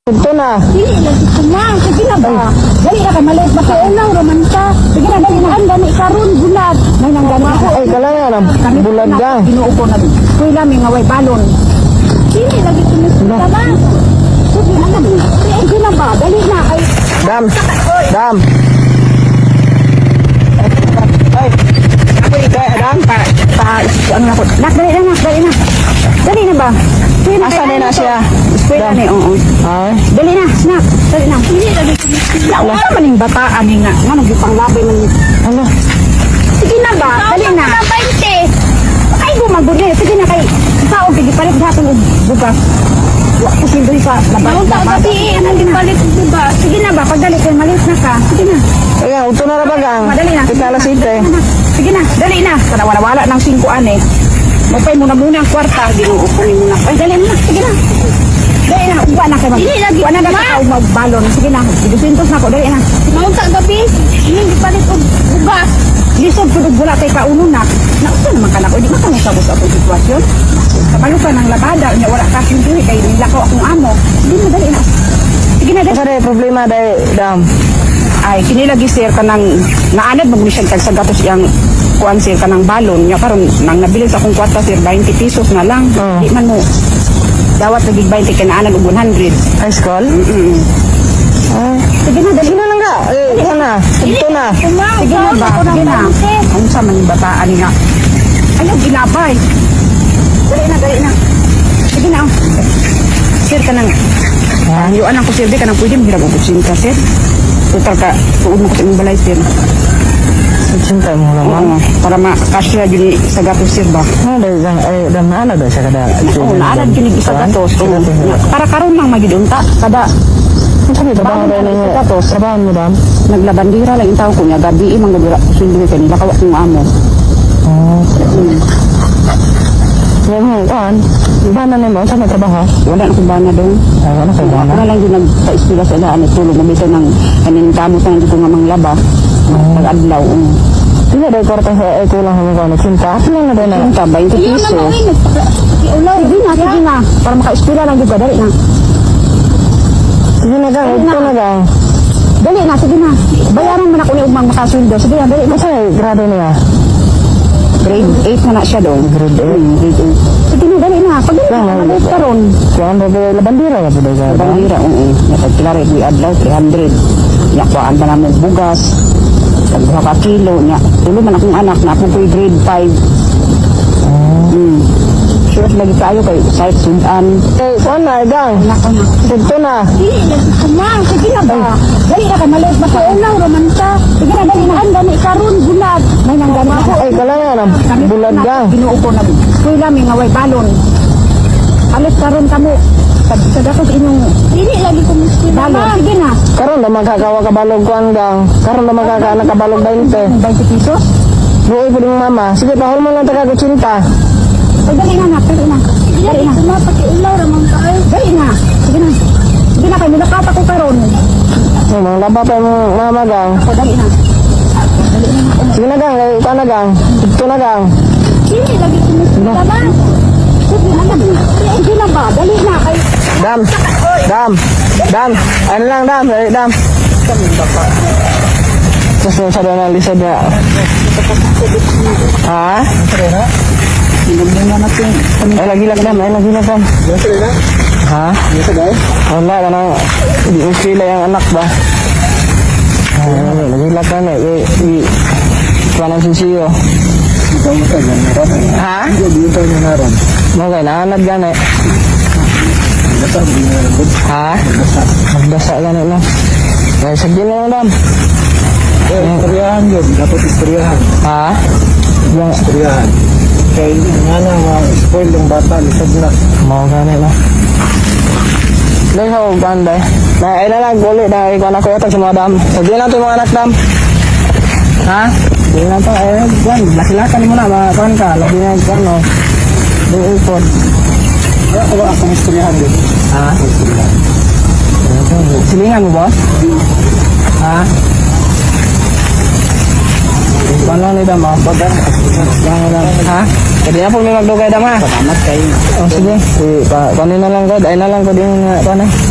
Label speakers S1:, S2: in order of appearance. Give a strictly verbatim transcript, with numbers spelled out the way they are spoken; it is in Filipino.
S1: Ito na.
S2: Dili lagi kumang. Sige na ba? Dali na ka maliit ba kayo lang romansa. Sige na dali na ang dami karon bulag. May nang gani ako.
S1: Ay, kala nga na. Bulag ka.
S2: Ginuupo na. Kuy lami nga way balon. Dili lagi kumusita ba? Sige na na. Sige na ba? Dali na ay.
S1: Dam. Dam. Ay. Apa itu Dam?
S2: Pa pa ano na ko. Nak dali na nak dali na. Dali na ba?
S1: Asa na na siya?
S2: Eskwela ni oo.
S1: Ay.
S2: Dali na, nak. Dali na. Dili lagi kumusita. Wala man ning bataan ni nga. Nga nagpanglabay man.
S1: Ano?
S2: Sige na ba? Dali na. twenty. Ay, bumagod eh. Sige na kay. Sao, pigi palit sa atin yung bugas. Wala ko sindoy sa labas. Ang tao gabi eh. Anong gimbalik yung bugas? Sige na ba? Pag dali kayo, malis na ka. Sige na.
S1: Ayan, ito na na ba gang?
S2: Madali na.
S1: Kita alas ite.
S2: Sige na, dali na. Kada wala-wala ng singkuan eh. Magpay muna muna ang kwarta. Ginuupunin muna. Ay, dali na. Sige na. Dali na. Uwa na kayo. Dili lagi. Uwa na na ka magbalon. Sige na. Idusintos na ko. Dali na. Maong sa gabi. Hindi palit yung bugas. Lisod ko wala kay kauno na. Nausa naman ka na ko. Hindi mo kami sabos akong sitwasyon. Kapalo ka ng labada. Niya wala ka hindi kay nilakaw akong amo. Hindi mo dali na. Sige na, dali.
S1: Asa na problema dahil Dam?
S2: Ay, kinilagi sir ka ng naanad mag-mission tag sa gatos yang kuan sir ka ng balon. Nya karon nang nabili sa akong kwarta sir twenty pesos na lang.
S1: Oh.
S2: Di man mo. Dawat nagig twenty ka naanad og one hundred.
S1: High school?
S2: Mm.
S1: Ay.
S2: Sige na, dali.
S1: Sino lang ka? Eh, ito na. Ito na.
S2: Sige na ba? Sige na. Ang sa man yung bataan nga. Ayaw, ginabay. Dali na, dali na. Sige na. Oh. Sir ka nang.
S1: Ha?
S2: Yung anak ko sir, di ka nang pwede mahirap ubutsin ka sir. Total ka, tuod mo ko sa imong balay sir.
S1: Cinta mo naman.
S2: Oo, para makasya yun sa gatos sir ba?
S1: Ano dahil Dam? Ay, Dam na ano dahil siya kada?
S2: Oo, naanad yun sa gatos. Oo. Para karon lang magidunta. Kada
S1: Sabi, trabaho dahil
S2: sa
S1: niya.
S2: gatos.
S1: Trabaho mo Dam?
S2: Naglabandira lang yung tao ko niya. Gabi, imang gabira. Sundo kanila, kawak yung amo.
S1: Oo.
S2: Hmm.
S1: Yan mo, kuhan. Iba na mo, saan may trabaho?
S2: Wala na kong bana doon.
S1: Ay, wala kayo
S2: Wala
S1: bana.
S2: lang din nagpa-istila sa daan at tulog. Mabito ng kanin kamot na nandito nga manglaba. Pag-adlaw. Um.
S1: Sige, dahil korte sa ay kulang mo ko na cinta. Ano lang na dahil na?
S2: Cinta, twenty pesos. Sige na, sige na. Para maka-istila lang juga. Dali na.
S1: Sige na gang, ito na gang.
S2: Dali na, sige na. Bayaran mo na kung yung makasundo. Sige na, dali na.
S1: Masa grado niya?
S2: Grade eight na na siya doon.
S1: Grade eight.
S2: Hmm, grade eight. Sige na, dali na. Pag dali na, malit ka ron.
S1: Kuhan ba ba labandira ka po dahil?
S2: Bandira, oo. Pagkilari, we adlaw, three hundred. Yakwaan pa namin bugas. Tagbuha ka kilo. Nya, tulo man akong anak na akong ko'y grade five. Hmm. Sure, lagi kayo kay site sundan.
S1: Eh, kuhan na, gang.
S2: Anak ko na.
S1: Ito na.
S2: Dili, lagi kumang. Sige na ba? Dali na ka, malit ba kayo lang, romansa. Sige na, dali na. Ang dami karon bulag. May nang gani ako.
S1: Ay, kala nga na. Bulag gang.
S2: Ginuupo na. Kuy lami nga way balon. Alis karon kamo. Sa sa datos inyong dili lagi kumuskin balon. Sige na.
S1: Karon na magkakawa kabalog kuhan gang. Karon na magkakaana kabalog twenty.
S2: twenty pesos.
S1: Buhay po din mama. Sige, pahol mo lang taga ko cinta.
S2: Ay, dali na na. Dali na. Dali na. Sama pati ulaw ramang kaay. Dali na. Sige na. Sige na kay nilakap ako karon.
S1: Ay, mga laba pa yung mama gang.
S2: Ako dali na. Dali na.
S1: Sige na gang, eh, kuhan na gang. Ito na gang.
S2: Dili lagi kumuskin ka ba? Sige na. Sige na ba? Dali na kay
S1: Dam. Dam. Dam. Ano lang Dam. Eh, Dam. Terus sa doon na lisa na. Ha?
S2: Sinugin na natin.
S1: Ay, lagi lang Dam. Ay, lagi lang Dam. Ha? Wala ka na. Hindi mo sila yung anak ba? Ay, lagi lang ka na. Eh, eh. Paano sisiyo? Ha? Mga kailangan gani. Ha? Magdasa gani lang. Ay, sagdi na lang Dam.
S3: Eh, istoryahan yun. Dapat istoryahan.
S1: Ha? Yung,
S3: Istoryahan. Kaya nga na, ma-spoil yung bata, lisad na.
S1: mga gani lang. Dahil sa ganda eh. Na, ay na lang, ulit na ikaw na kuya sa mga Dam. Sagdi na ito yung mga anak Dam. Ha? Sagdi na ito. Ay, Dam. Lasilakan mo na. Makakuan ka. Lagi na ito, no? Yung ipod.
S3: Kaya ko lang akong istoryahan yun.
S1: Ha? Silingan mo, boss? Ha? Paano ni Dam? Pagka? Ha? Pwede na po may magdugay Dam ha?
S3: Salamat kayo.
S1: Oh, sige. Si, pa, kunin na lang ko. Ay na lang ko din nga. Kunin.